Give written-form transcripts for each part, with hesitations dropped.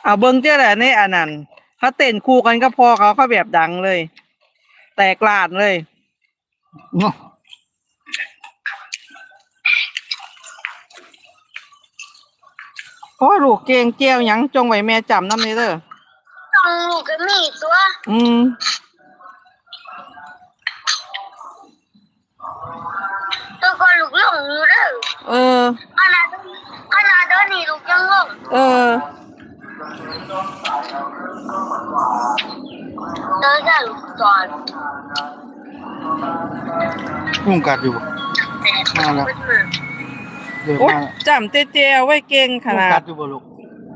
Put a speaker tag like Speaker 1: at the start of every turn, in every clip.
Speaker 1: เอาเบิ้งเจ้าแหละในอันนั้นเขาเต้นคู่กันก็พอเขาแบบดังเลย แตกลาดเลยโอ้ลูกเก่งเจียวยังจงไว้แม่จำน้ำนี้เด้อ
Speaker 2: ต้องลูกก็มีตัวตัวก็ลูกลงอยู่เด้อขนาดเดินนี่ลูกยังลงเดินได้ลูกจอด
Speaker 3: ยุงกัดอยู่มาแล้วเดี๋ยวมา
Speaker 1: จำเจียวไว้เก่งขนาด
Speaker 3: กัดอยู่บ่ลูก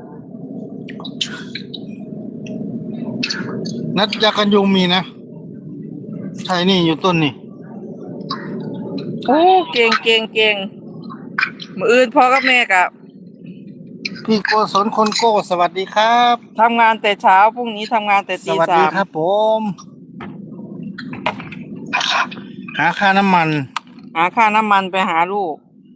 Speaker 3: นัดยากันยุงมีนะใช่นี่อยู่ต้นนี่
Speaker 1: โอ้เก่งมืออื่นพ่อกับแม่กับ
Speaker 3: พี่โกศลคนโก้สวัสดีครับ
Speaker 1: ทำงานแต่เช้าพรุ่งนี้ทำงานแต่ตี 3
Speaker 3: สวัสดีครับผมหาค่าน้ำมัน
Speaker 1: ไปหาลูก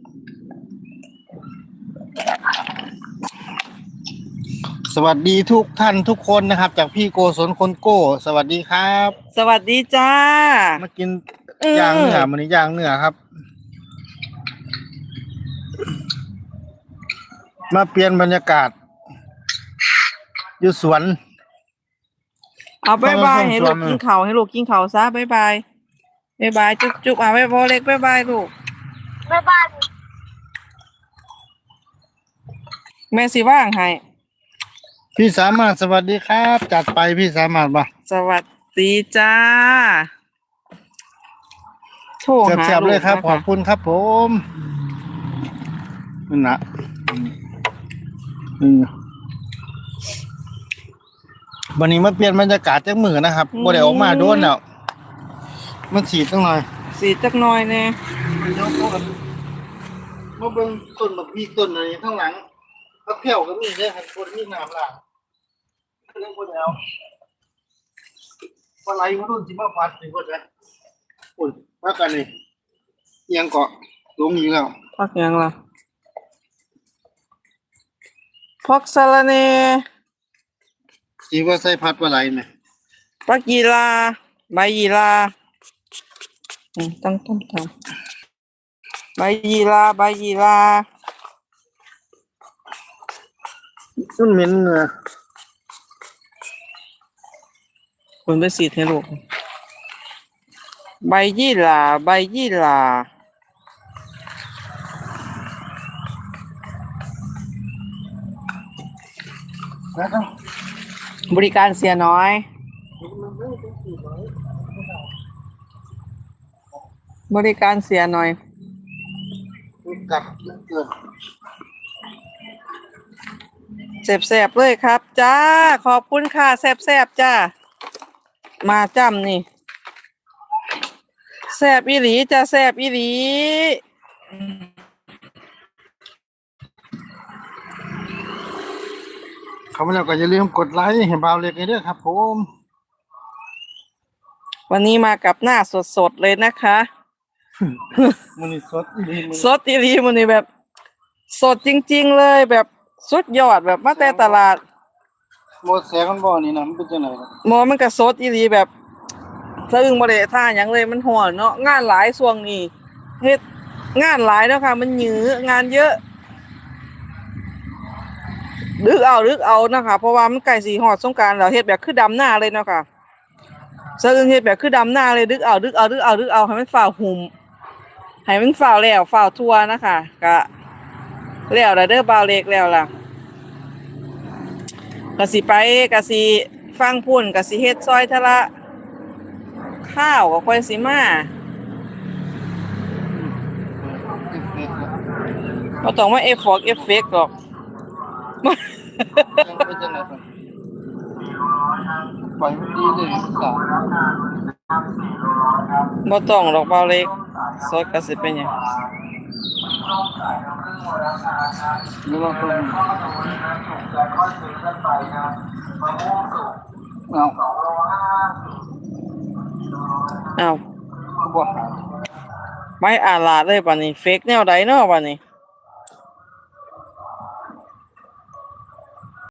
Speaker 3: สวัสดีทุกท่านทุกคนนะครับจากพี่โกศลคนโก้สวัสดีครับ
Speaker 1: สวัสดีจ้า
Speaker 3: มากินย่างเนื้อมันนี้ย่างเนื้อครับมาเปลี่ยนบรรยากาศอยู่สวน
Speaker 1: เอาบายให้ลูกกินข้าวซะบายจุ๊บเอาไว้พอเล็กบายลูก
Speaker 2: บาย
Speaker 1: แม่สิว่างให้
Speaker 3: พี่สามารถสวัสดีครับจัดไปพี่สามารถบ่
Speaker 1: สวัสดีจ้า
Speaker 3: โทรหาลูกเลยครับขอบคุณครับผมนั่นนะวันนี้มาเปลี่ยนบรรยากาศจากมือนะครับบ่ได้ออกมาโดนแล้วมันสีจักหน่อย
Speaker 1: เนี่ย
Speaker 3: มาเบิ่งต้นบักพีต้นอะไรข้างหลังพักแผ่วก็มีเด้อครับคนมีน้ำล่ะเรื่องบ่ได้เอาปลาไหลมารุ่นสิมาฟัดนี่บ่ได้โอ้ยพักกันนี่ยังเกาะลงอยู่แล้ว
Speaker 1: พักยังล่ะพักสะระเน
Speaker 3: สิว่าใส่พัดปลาไหลไหม
Speaker 1: พักยีราใบยีราต้องทำใบยีรา
Speaker 3: มันเหม็นเนื้อ
Speaker 1: คุณไปสีให้ลูกใบยี่หร่าบริการเสียน้อย
Speaker 3: กัดเกิน
Speaker 1: แซ่บเลยครับจ้าขอบคุณค่ะแซ่บจ้ามาจ้ำนี่แซ่บอีหลีจ้าแซ่บอีหลี
Speaker 3: เขามาแล้วก็อย่าลืมกดไลค์ให้บ่าวเล็กด้วยครับผม
Speaker 1: วันนี้มากับหน้าสดเลยนะคะ
Speaker 3: มันนี่สดอีห
Speaker 1: ลีมันนี่แบบสดจริงๆเลยแบบสุดยอดแบบมาแต่ตลาด
Speaker 3: หมดแสงมันบ่นี่นะมันเป็นจังได๋
Speaker 1: มันก็สดอีหลีแบบสะอึ้งบ่ได้ท่าหยังเลยมันฮ้อนเนาะงานหลายช่วงนี้เฮ็ดงานหลายแล้วค่ะมันหยืองานเยอะดึกเอานะคะเพราะว่ามันใกล้สิฮอดสงกรานต์แล้วเฮ็ดแบบคือดำหน้าเลยเนาะค่ะสะอึ้งเฮ็ดแบบคือดำหน้าเลยดึกเอาให้มันฝ่าหุ่มให้มันฝ่าแล้วฝ่าทั่วนะคะก็แล้วเด้อบ่าวเล็กแล้วล่ะก็สิไปก็สิฟังพุ่นก็สิเฮ็ดซอยทะละข้าวก็ค่อยสิมาบ่ต้องมาเอฟเฟกต์หรอก
Speaker 3: ปล่อยมันดีเลยสาว
Speaker 1: บ่ต้องหรอกบ่าวเล็กซอยก็สิเป็นหยัง
Speaker 3: นี่ว่าคน
Speaker 1: เอา
Speaker 3: บ่
Speaker 1: ไม่อาลาดเลยป่ะนี่เฟกแนวใดเนาะป่ะนี่